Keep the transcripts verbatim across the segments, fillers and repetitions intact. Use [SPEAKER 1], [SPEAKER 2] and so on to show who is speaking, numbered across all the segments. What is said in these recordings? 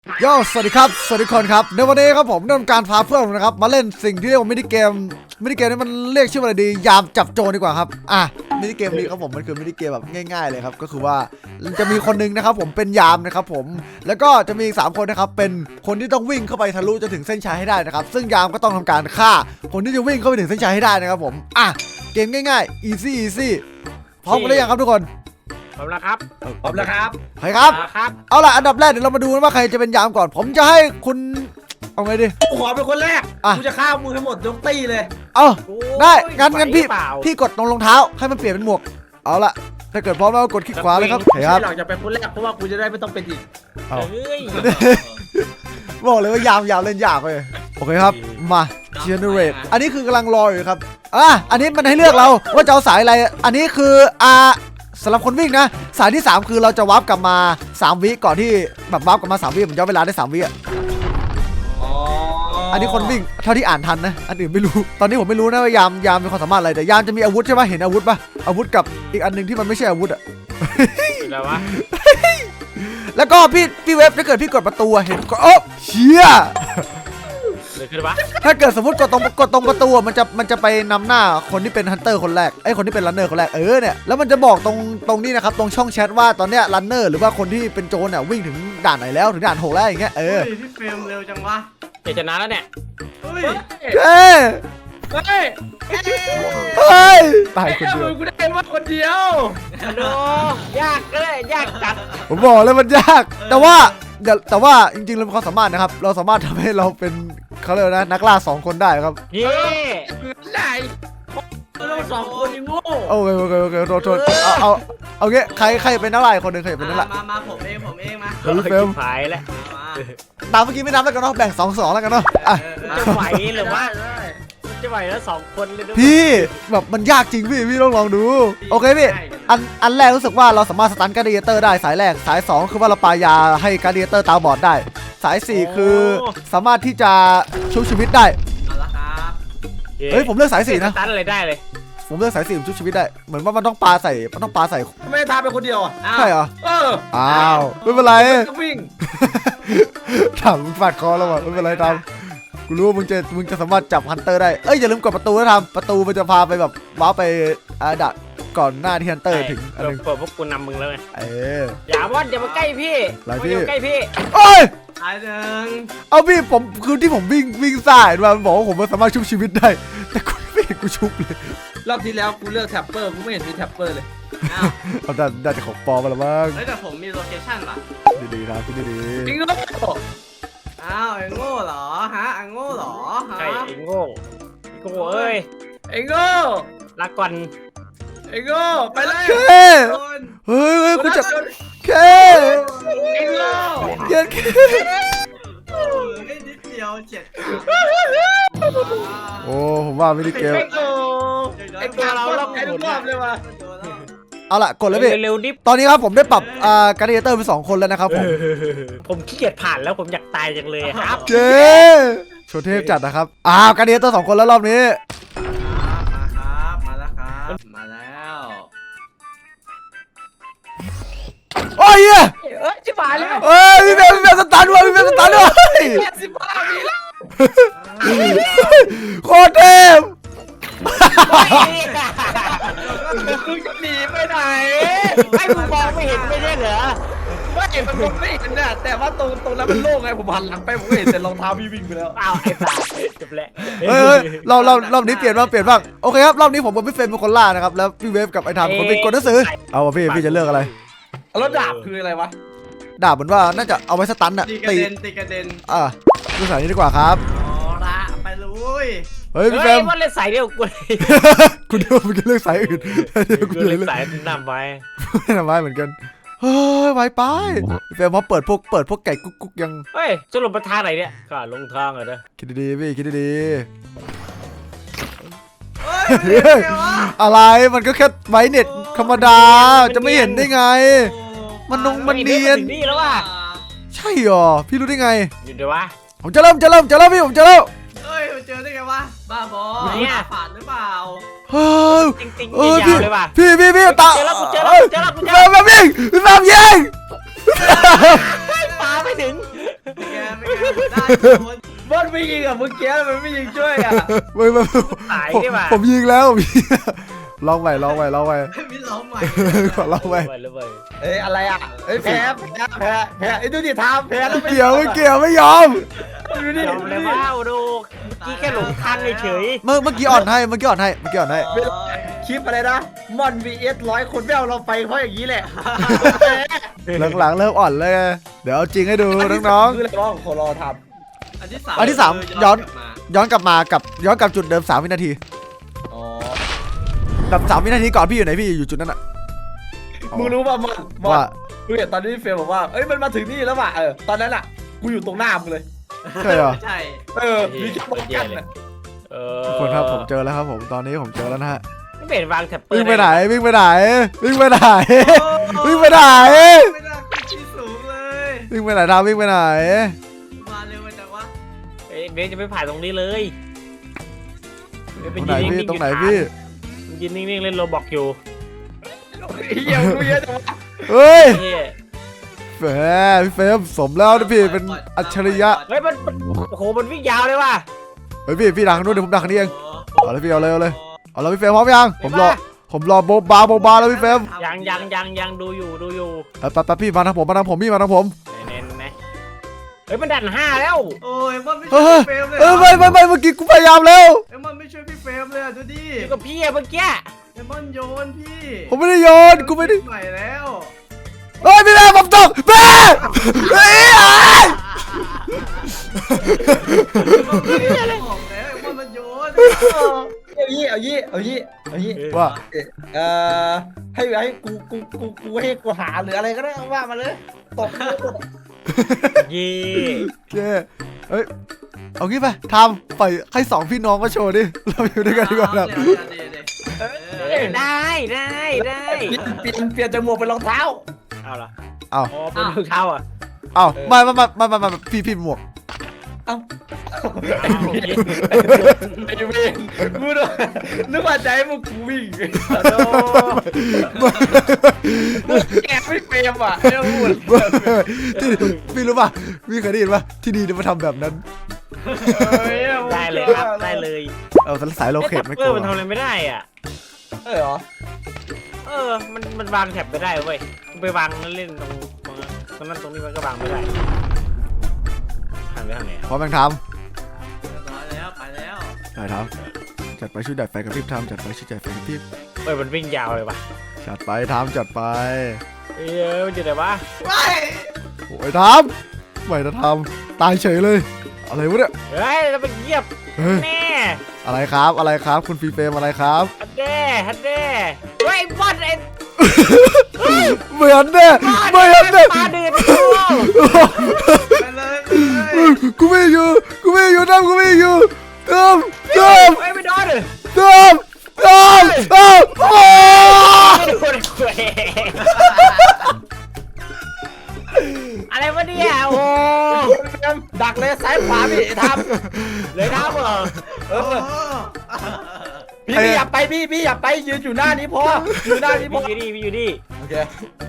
[SPEAKER 1] โย่สวัสดีครับสวัสดีคนครับในวันนี้ครับผมได้ทำการพาเพื่อนผมนะครับมาเล่นสิ่งที่เรียกว่ามินิเกมมินิเกมนี้มันเรียกชื่อว่าอะไรดียามจับโจรดีกว่าครับอ่ะมินิเกมนี้ครับผมมันคือมินิเกมแบบง่ายๆเลยครับก็คือว่าจะมีคนนึงนะครับผมเป็นยามนะครับผมแล้วก็จะมีอีกสามคนนะครับเป็นคนที่ต้องวิ่งเข้าไปทะลุจนถึงเส้นชัยให้ได้นะครับซึ่งยามก็ต้องทำการฆ่าคนที่จะวิ่งเข้าไปถึงเส้นชัยให้ได้นะครับผมอ่ะเกมง่ายๆ easy easy พร้อมกันหรือยังครับทุกคน
[SPEAKER 2] พร้อมแล้วครับ
[SPEAKER 3] พร้อมแล้วครับ
[SPEAKER 1] ใครครับ
[SPEAKER 2] ครับ
[SPEAKER 1] เอาล่ะอันดับแรกเดี๋ยวเรามาดูว่าใครจะเป็นยามก่อนผมจะให้คุณเอาไงดี
[SPEAKER 3] กูขอเป็นคนแรกกูจะฆ่ามึงทั้งหมดยกตี้เลย
[SPEAKER 1] เอาได้งั้นงั้นพี่พี่กดตรงรองเท้าให้มันเปลี่ยนเป็นหมวกเอาล่ะถ้าเกิดพร้อมแล้วกดคลิกขวาเลยครับ
[SPEAKER 3] ใช่หลังจะเป็นคนแรกเพราะว่ากูจะได้ไม่ต้องเป็นอีก
[SPEAKER 2] เฮ้ย
[SPEAKER 1] บอกเลยว่ายาวยาวเล่นยากเลยโอเคครับมา generate อันนี้คือกำลังรออยู่ครับอ่ะอันนี้มันให้เลือกเราว่าจะเอาสายอะไรอันนี้คืออ่าสำหรับคนวิ่งนะสายที่สามคือเราจะวาร์ปกลับมาสามวิก่อนที่แบบวาร์ปกลับมาสามวิผมย้อนเวลาได้สามวิอ่ะอันนี้คนวิ่งเท่าที่อ่านทันนะอันอื่นไม่รู้ตอนนี้ผมไม่รู้นะว่ายามยามมีความสามารถอะไรแต่ยามจะมีอาวุธใช่ไหมเห็นอาวุธป่ะอาวุธกับอีกอันหนึ่งที่มันไม่ใช่อาวุธอ่ะ
[SPEAKER 2] อะไรวะ
[SPEAKER 1] แล้วก็พี่พี่เว็บถ้าเกิดพี่กดประตูเห็นก็โอ้เชี่ย
[SPEAKER 2] เลยขึ้นปะ
[SPEAKER 1] ถ้าเกิดสมมติกดตรงกดตรงประตูมันจะมันจะไปนำหน้าคนที่เป็นฮันเตอร์คนแรกไอ้คนที่เป็นรันเนอร์คนแรกเออเนี่ยแล้วมันจะบอกตรงตรงนี้นะครับตรงช่องแชทว่าตอนเนี้ยรันเนอร์หรือว่าคนที่เป็นโจรเนี่ยวิ่งถึงด่านไหนแล้วถึงด่านหกแล้วอย่างเงี้ยเออ
[SPEAKER 3] พี่เฟรมเร็วจังวะ
[SPEAKER 2] จะชนะแล้วเนี่ย
[SPEAKER 3] เฮ้ย
[SPEAKER 1] เฮ้ย
[SPEAKER 3] เฮ้ย
[SPEAKER 1] เฮ้ยตายคนเดียว
[SPEAKER 3] กูได้มาคนเดียว
[SPEAKER 2] โนยากเลยยากจัด
[SPEAKER 1] ผมบอกเลยมันยากแต่ว่าแต่ว่าจริงๆเรามีความสามารถนะครับเราสามารถทำให้เราเป็นเขาเรียกนะนักล่าสองคนได้ครับ
[SPEAKER 2] เย่
[SPEAKER 3] ไหนเราสองคนยังโง่
[SPEAKER 1] โอเคโอเคโอเคโทษโทษเอาเอาเอาเงี้ยใครใครเป็นนักล่าคนหนึ่งใครเป็นนักล่า
[SPEAKER 3] มามาผมเองผมเองมา
[SPEAKER 1] เฮ้ยเฟล
[SPEAKER 2] หายแล้ว
[SPEAKER 1] ตามเมื่อกี้ไม่นับแล้วกันเนาะแบ่งสองสองแล้วกันเนาะอ่ะ
[SPEAKER 2] จะไหวหรือว่าจะไหวแล้วสองคนเลย
[SPEAKER 1] พี่แบบมันยากจริงพี่พี่ต้องลองดูโอเคพี่อันอันแรกรู้สึกว่าเราสามารถสตันการ์ดิเอเตอร์ได้สายแรกสายสองคือว่าเราปายาให้การ์ดิเอเตอร์ตาบอดได้สายสี่คือสามารถที่จะชุบชีวิตได้เฮ้ยผมเลือกสายสี่นะ
[SPEAKER 2] ตันอะไรได้เลย
[SPEAKER 1] ผมเลือกสายสี่ชุบชีวิตได้เหมือนว่ามันต้องปาใส่มันต้องปาใส่
[SPEAKER 3] ไม่ทาเป็นคนเดียวอ่ะ
[SPEAKER 1] ใช่เหรอ
[SPEAKER 3] เออ
[SPEAKER 1] อ้าวไม่เป็นไร
[SPEAKER 3] วิ่ง
[SPEAKER 1] ถามมึงฟาดคอแล้ววะไม่เป็นไรทำกูรู้ว่ามึงจะมึงจะสามารถจับฮันเตอร์ได้เอ้ยอย่าลืมกดประตูนะทำประตูมันจะพาไปแบบว้าไปอาดักก่อนหน้าที่ฮันเตอร์ถึง
[SPEAKER 2] อันนึงเปิดพวกกูนำมึงแล้วไง
[SPEAKER 1] เออ
[SPEAKER 2] อย่าว่าอย่ามาใกล้พี่อย่ามาใกล้พี่
[SPEAKER 1] โอ้ย
[SPEAKER 3] ตายหนึ่ง
[SPEAKER 1] เอาพี่ผมคือที่ผมวิ่งวิ่งสายมาบอกว่าผมสามารถชุบชีวิตได้แต่กูไม่เห็นกูชุบเลย
[SPEAKER 3] รอบที่แล้วกูเลือกแท็ปเปอร์กูไม่เห็นมีแท็ปเปอร์เลย
[SPEAKER 1] เอาได้ได้แต่ของปลอมมาแล้วมั้ง
[SPEAKER 3] แต่ผมมีโลเคชั่นป่ะ
[SPEAKER 1] ดีๆนะพี่ดี
[SPEAKER 3] ๆจริงเหรออ้าวไอ้โง่เหรอฮะไอ้โง่เหรอฮะ
[SPEAKER 2] ใช่ไอ้โง่โง่เอ้ย
[SPEAKER 3] ไอ้โง่
[SPEAKER 2] ลาก่อน
[SPEAKER 3] ไอ้โง่ไปเลย
[SPEAKER 1] เฮ้ยเฮ้ยกูจะเค
[SPEAKER 3] ไอ้โง่
[SPEAKER 1] เกียดเค
[SPEAKER 3] นิดเดียวเจ็ด
[SPEAKER 1] โอ้ผมว่าไม่ได้เกม
[SPEAKER 3] ไอ้ตัวเราเราไอ้ทุกรอบเลยว่ะ
[SPEAKER 1] เอาล่ะกดแล้วพี่
[SPEAKER 2] เร็วดิ
[SPEAKER 1] ตอนนี้ครับผมได้ปรับอ่าการ์ดิเอเตอร์เป็นสองคนแล้วนะครับผม
[SPEAKER 2] ผมขี้เกียจผ่านแล้วผมอยากตายจังเลยครับ
[SPEAKER 1] เจ๊โชว์เทพจัดนะครับอ้าวการ์ดิเอเตอร์สองคนแล้วรอบนี้
[SPEAKER 3] มาครับมาแล้วครับมาแล้ว
[SPEAKER 1] โอ้ย
[SPEAKER 3] เอ้ยชิบหายแล้ว
[SPEAKER 1] เอ้ยพี่เบลพี่เบลสตาร์ด้วยพี่เบลสตาร์ด้วย
[SPEAKER 3] สิบห้าปีแล้ว
[SPEAKER 1] โคตรเทพ
[SPEAKER 3] มึงจะหนีไปไหน
[SPEAKER 2] ไอ้มึงมองไม่เห็นไม่ใช่เหรอ
[SPEAKER 3] ว่าเห็นมันผมไม่เห็นน่ะแต่ว่าตรงตรงนั้นมันโล่งไงผมหันหลังไปผมก็เห็นแต่รองเท้าพี่วิ่งไปแล้ว
[SPEAKER 2] อ้าวไอ้สัสจบแล้ว
[SPEAKER 1] เฮ้ยเราเรารอบนี้เปลี่ยนบ้างเปลี่ยนบ้างโอเคครับรอบนี้ผมกับพี่เฟรมเป็นคนล่านะครับแล้วพี่เวฟกับไอ้ทำคนเป็นคนหนังสือเอาพี่พี่จะเลือกอะไร
[SPEAKER 3] แล้วดาบคืออะไรวะ
[SPEAKER 1] ดาบเหมือนว่าน่าจะเอาไว้สตันอะ
[SPEAKER 3] ตีกระเด็นตีกระเด็น
[SPEAKER 1] อ่ะดูสายนี้ดีกว่าครับ
[SPEAKER 3] อ๋อละไปเลย
[SPEAKER 1] เฮ้ยพี่แฟม
[SPEAKER 2] ว่าเล่นสายเดียวกู
[SPEAKER 1] คุณเดียวมึงจะเลือกสายอื่น
[SPEAKER 2] เดี๋ยวกูเลือกสายนำไว้
[SPEAKER 1] นำไว้เหมือนกันเฮ้ยไวไปพี่แฟมพอเปิดพวกเปิดพวกไก่กุ๊กกุ๊กยัง
[SPEAKER 2] เฮ้ยจะลงมาทางไหนเนี่ยก็ลงทางเลยนะ
[SPEAKER 1] คิดดีๆพี่คิดดีๆอะไรมันก็แค่ไวเน็ตธรรมดาจะไม่เห็นได้ไงมันนงมันเนียน
[SPEAKER 2] นี่แล้วว่ะ
[SPEAKER 1] ใช่หรอพี่รู้ได้ไง
[SPEAKER 2] อยู่เดี๋ยววะ
[SPEAKER 1] ผมจะเริ่มจะเริ่มจะเริ่มพี่ผมจะเริ่ม
[SPEAKER 3] เฮ้ยเจอได้ไงวะบ้าบอเนี่ยผ่านหรือเปล่า
[SPEAKER 1] เฮ้ย
[SPEAKER 2] จริงๆยาวเลยว่ะ
[SPEAKER 1] พี่พี่พี่ตา
[SPEAKER 2] เจอแล้วกูเจอแล้วเจอแล้วกูเจอแล้ว
[SPEAKER 1] แบบยิงแบบยิง
[SPEAKER 2] ปาไม่ถึง
[SPEAKER 4] เป็นไงได้โดน
[SPEAKER 3] บอลไม่ยิงอ่ะเมื่อกี้มันไม่ยิงช่วยอ่ะ
[SPEAKER 1] ไม่ไม่
[SPEAKER 2] ตาย
[SPEAKER 1] ผม
[SPEAKER 2] ดีกว่า
[SPEAKER 1] ผมยิงแล้วผมยิงลองใหม่ลองใหม่ลองใหม่
[SPEAKER 4] มีร้องใหม่
[SPEAKER 1] ขอลองใหม่
[SPEAKER 2] เลยเลย
[SPEAKER 3] เอ้ยอะไรอ่ะเอ้ยแพ้แพ้แพ้แพ้ไอ้ดูดิทามแพ้แล้ว
[SPEAKER 1] เกี่ยวไม่เกี่ยวไม่ยอม
[SPEAKER 3] ดูดิ
[SPEAKER 2] ยอมเลยว่าดูเมื่อกี้แค่หลงทางเฉย
[SPEAKER 1] เมื่อเมื่อกี้อ่อนให้เมื่อกี้อ่อนให้เมื่อกี้อ่อนให้
[SPEAKER 3] คลิปอะไรนะมอน วี เอส ร้อยคนไม่เอาเราไปเพราะอย่างนี้แหละ
[SPEAKER 1] หลังๆเริ่มอ่อนเลยเดี๋ยวเอาจริงให้ดูน้อง
[SPEAKER 3] คืออะไรบ้างขอรอท
[SPEAKER 4] อันที่สาม
[SPEAKER 1] อันที่สามย้อน ๆย้อนกลับมากับย้อนกลับจุดเดิมสามวินาที
[SPEAKER 3] ำอ๋อ
[SPEAKER 1] แบบสามวินาทีก่อนพี่อยู่ไหนพี่อยู่จุดนั้นอะ
[SPEAKER 3] มึงรู้ป่ะมอนมอน
[SPEAKER 1] ว่า
[SPEAKER 3] กูเห็นตอนนี้เฟรมบอกว่าเอ้ยมันมาถึงนี่แล้วว่ะเออตอนนั้นอ่ะกูอยู่ตรงหน้ามึงเลย
[SPEAKER 1] ใช่เหรอ
[SPEAKER 4] ใช่
[SPEAKER 3] เออมีแค่ป้องกันอ่ะ
[SPEAKER 2] ๆเออ
[SPEAKER 1] ทุกคนครับผมเจอแล้วครับผมตอนนี้ผมเจอแล้วนะฮะ
[SPEAKER 2] ไม่เป็นวางแท็บเปิ
[SPEAKER 1] วิ่
[SPEAKER 2] ด
[SPEAKER 1] งไปไหนวิ่งไปไหนวิ่งไปไหนวิ่งไปไหน
[SPEAKER 4] ไม่ได้ขึ้นที่สูงเลย
[SPEAKER 1] วิ่งไปไหนทามวิ่งไปไหน
[SPEAKER 4] มาเร็วไปจังวะ
[SPEAKER 2] เอ้ยเบสจะไม่ผ่านตรงนี้เลย
[SPEAKER 1] ตรงไหนพี่ตรงไหนพี่
[SPEAKER 2] ยืนนิ่งๆเล่นโรบอกอยู่
[SPEAKER 3] เหี้ยมึงรู้เยอะจังวะ
[SPEAKER 1] เฮ้ย
[SPEAKER 2] เฮ้ย
[SPEAKER 1] แหมพี่เฟรมสมแล้วนะพี่เป็นอัจฉริยะ
[SPEAKER 2] เฮ้ยมันมันโอ้โหมันวิ่งยาวเลยว่ะ
[SPEAKER 1] เฮ้ยพี่พี่ดังนู้นเดี๋ยวผมดังนี้เองเอาเลยพี่เอาเลยเอาเลยเอาเลยพี่เฟรมพร้อมยังผมรอผมรอโบบาโบบาแล้วพี่เฟรม
[SPEAKER 2] ยังยังยังยังดูอยู่ดูอยู่
[SPEAKER 1] เออแป๊บๆพี่มาทางผมมาทางผมพี่มาทางผม
[SPEAKER 2] เน้นๆนะเฮ้ยมันดันห้าแล้ว
[SPEAKER 4] โอ้ยมันไม่
[SPEAKER 1] เอ
[SPEAKER 4] ช่วย
[SPEAKER 1] อ
[SPEAKER 4] พี่เฟรมเลย
[SPEAKER 1] เออไม่ไม่ไม่เมื่อกี้กูพยายามแล้ว
[SPEAKER 4] เอ็มอนไม่ช่วยพี่เฟรมเลยอ่ะดูดิ
[SPEAKER 2] อยู่กับพี่อะเมื่อกี้
[SPEAKER 4] เอ็มอนโยนพี่
[SPEAKER 1] ผมไม่ได้โยนกูไม่ได้
[SPEAKER 4] ใหม่แล้ว
[SPEAKER 1] เฮ้ยพี่แม่ผมตกแม่เฮ้ย
[SPEAKER 4] บอกแล้วเอ็มอนมันโยน
[SPEAKER 3] เอายี่เอายี่เอายี่เอายี่
[SPEAKER 1] ว่า
[SPEAKER 3] เอ่อให้ให้กูกูกูกูให้กูหาหรืออะไรก็ได้ว่ามาเลยตบ
[SPEAKER 2] ยี่
[SPEAKER 1] โอเคเฮ้ยเอางี้ไปทำปล่อยให้สองพี่น้องมาโชว์ดิเราอยู่ด้วยกันดีกว่าครับ
[SPEAKER 4] เดี๋ยวเดี๋ยวเดี๋ยวเดี๋ยวเออ
[SPEAKER 2] ได้ได้ได้
[SPEAKER 3] เปลี่ยนเปลี่ยนจากหมวกเป็นรองเท้า
[SPEAKER 2] เอาละ
[SPEAKER 1] เอา
[SPEAKER 2] อ๋อเป็นรองเท้าอ่ะ
[SPEAKER 1] เอาไม่ไม่ไม่ไม่ไม่พี่พี่หมวก
[SPEAKER 3] เอ้าไอ้เวรกูนึกว่าใจมึงกูวิ่ง
[SPEAKER 2] โด
[SPEAKER 3] แกไม่เฟรมอ่ะเรื่องพูด
[SPEAKER 1] ที่พี่รู้ป่ะพี่เคยได้ยินป่ะที่ดีจะมาทำแบบนั้น
[SPEAKER 2] ได้เลยครับได้เลย
[SPEAKER 1] เอาแต่สายโลเคทไม่ก
[SPEAKER 2] เอ
[SPEAKER 1] ลั
[SPEAKER 2] อ
[SPEAKER 1] ว
[SPEAKER 2] มันทำอะไรไม่ได้อ่ะ
[SPEAKER 3] เออเหรอ
[SPEAKER 2] เออมันมันวางแท็บไม่ได้เว้ยไปวางเล่นตรงตรงนั้นตรงนั้นตรงนี้มันก็วางไม่ได้หันไปทางไหน
[SPEAKER 1] พร้อมยังท
[SPEAKER 4] ร้อยแล้วไปแล้ว
[SPEAKER 1] ำได้ทำจัดไปชุดดัดไฟกับพริบทำจัดไปชุดดัดไฟกับพริบ
[SPEAKER 2] เอ้ยมันวิ่งยาวเลยว่ะ
[SPEAKER 1] จัดไปทำจัดไป
[SPEAKER 2] เอ้ยมันอยู่ไหนวะ
[SPEAKER 4] ไม่
[SPEAKER 1] โอ้ยทำไม่จะทำตายเฉยเลย อะไรวะเนี่ย
[SPEAKER 2] เฮ้ยแล้วมันเงียบ
[SPEAKER 1] เฮ้ย
[SPEAKER 2] แน่
[SPEAKER 1] อะไรครับอะไรครับคุณฟรีเฟรมอะไรครับ
[SPEAKER 2] ฮันเด้ฮันเด้เฮ้ยบอลไอ้
[SPEAKER 1] เหมือนเนี่ยเหมือนเนี่ย
[SPEAKER 2] ปลาเดือด
[SPEAKER 4] ไปเลยไปเลย
[SPEAKER 1] กูไม่อยู่กูไม่อยู่ทำกูไม่อยู่ทำทำ
[SPEAKER 2] เฮ้ยไม่โดนเลย
[SPEAKER 1] ทำทำทำโอ้
[SPEAKER 2] ไม่โดนเว้ยอะไรวะเนี่ยโอ้
[SPEAKER 3] ดักเลยซ้ายขวาพี่ท
[SPEAKER 2] เลยท้าเหรอ
[SPEAKER 3] ำเอ
[SPEAKER 4] โอ้
[SPEAKER 3] อพี่พี่อย่าไปพี่พี่อย่าไปยืนอยู่หน้านี้พออยู่หน้านี้พ
[SPEAKER 2] มี
[SPEAKER 3] อ
[SPEAKER 2] อยู่นี่มีอยู่นี่
[SPEAKER 3] โอเค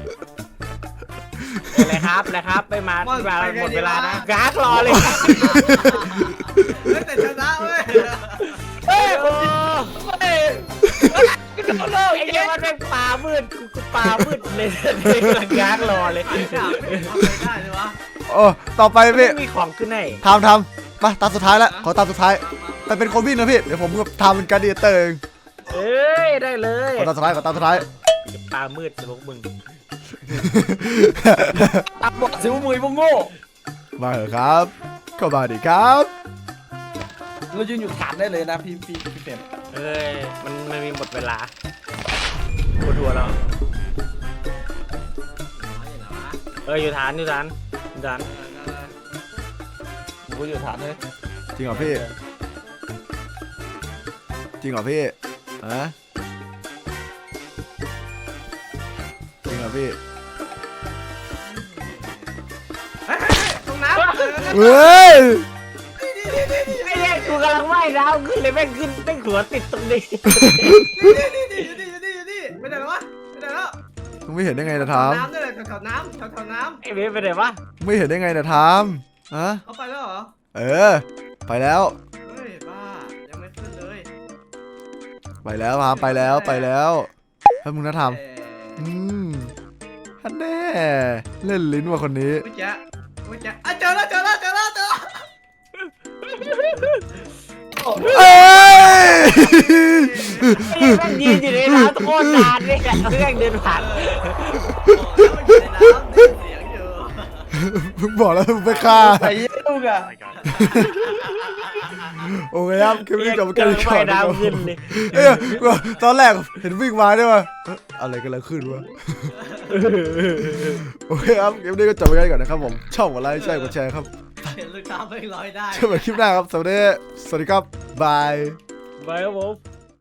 [SPEAKER 2] อะไรครับอะไรครับไปมาไปมาหมดเวลานะกากรอเลย
[SPEAKER 4] เฮ้ยแต่ชนะเว้ย
[SPEAKER 3] เฮ้ย
[SPEAKER 2] โอ้
[SPEAKER 3] เฮ้ยกระโดดโลก
[SPEAKER 2] ไอ้
[SPEAKER 3] ไอ้
[SPEAKER 2] เหี้
[SPEAKER 3] เหี้
[SPEAKER 2] ย
[SPEAKER 3] ย
[SPEAKER 2] มันเป็นป่ามืดกูป่ามืดเลยกำลังกากรอเลย
[SPEAKER 4] ไปดาบทำอะไรได้เลยวะ
[SPEAKER 1] โอ้ต่อไปพี่
[SPEAKER 2] ไม่มีของขึ้นให้
[SPEAKER 1] ทำทำมาตามสุดท้ายแล้วขอตามสุดท้ายแต่เป็นคนวิ่งนะพี่เดี๋ยวผมกับทำเป็นการเดียเตอร์เอง
[SPEAKER 2] เอ้ยได้เลย
[SPEAKER 1] ขอตามสุดท้ายขอตามสุดท้าย
[SPEAKER 2] ป่ามืดจะพวกมึง
[SPEAKER 3] ตับบอกสิวมือพวกโง่
[SPEAKER 1] มาเหรอครับก็มาดิครับ
[SPEAKER 3] เรายืนอยู่ฐานได้เลยนะพี่พี่พี่เต็ม
[SPEAKER 2] เอ้ยมันมันมีหมดเวลาปวดหัวแล้วเอออยู่ฐานอยู่ฐานอยู่ฐาน
[SPEAKER 3] กูอยู่ฐานเลย
[SPEAKER 1] จริงเหรอพี่จริงเหรอพี่ฮะจริงเหรอพี่
[SPEAKER 4] ตรงน้ำ
[SPEAKER 1] เฮ้ย
[SPEAKER 2] ไอ้เนี่ยกูกำลังว่ายน้ำขึ้นเลยแม่งขึ้นแม่งหัวติดตรงนี้
[SPEAKER 4] นี่นี่นี่นี่นี่นี่ไม่ได้หรอวะไม่ได้แล้ว
[SPEAKER 1] มึงไม่เห็นได้ไงนะท
[SPEAKER 4] น้ำนี่แหละแถวๆน้ำแถวๆน้
[SPEAKER 2] ไอ้เบสไปไหนวะ
[SPEAKER 1] ำไม่เห็นได้ไงนะท
[SPEAKER 4] ำ
[SPEAKER 1] ฮะ
[SPEAKER 4] เขาไปแล้วเหรอ
[SPEAKER 1] เออ ไปแล้ว
[SPEAKER 4] เฮ้ยบ้ายังไม่ขึ้นเลย
[SPEAKER 1] ไปแล้วพามไปแล้วไปแล้วให้มึงนะท
[SPEAKER 4] เอ่
[SPEAKER 1] ำอืมฮันแน่เล่นลิ้นว่ะคนนี้
[SPEAKER 4] อวิจ๊ะวิจ๊ะอ่ะเจอแล้วเจอแล้วเจอแล้วเจอแล้ว
[SPEAKER 1] เอ้ย
[SPEAKER 2] ไอ้แม่งยืนอยู่ในน้ำโคตรนานเลยอะแม่งเดินผ่าน
[SPEAKER 4] โอ้แล้วมันอยู่ในน้ำได้ยินเสียงอยู่
[SPEAKER 1] มึงบอกแล้วมึงไปฆ่า
[SPEAKER 3] ไปเยี่ยมอ่ะ
[SPEAKER 1] โอเคครับคลิปนี้จบไป
[SPEAKER 2] เจ
[SPEAKER 1] กัน
[SPEAKER 2] อ
[SPEAKER 1] ก่อ
[SPEAKER 2] ว่าย
[SPEAKER 1] นนะครับ
[SPEAKER 2] น้ำขึ้นเลย
[SPEAKER 1] เอ้ยตอนแรกเห็นวิ่งมาด้วยวะเอ๊ะอะไรกันแล้วขึ้นวะโอเคครับคลิปนี้ก็จบไปกันก่อนนะครับผมชอบกดไลค์ใช่กดแชร์ครับ
[SPEAKER 4] เห็นลูกค้าไม่ลอยได้
[SPEAKER 1] เจอกันคลิปหน้าครับสวัสดีสวัสดีครับบาย
[SPEAKER 2] ไปครับผม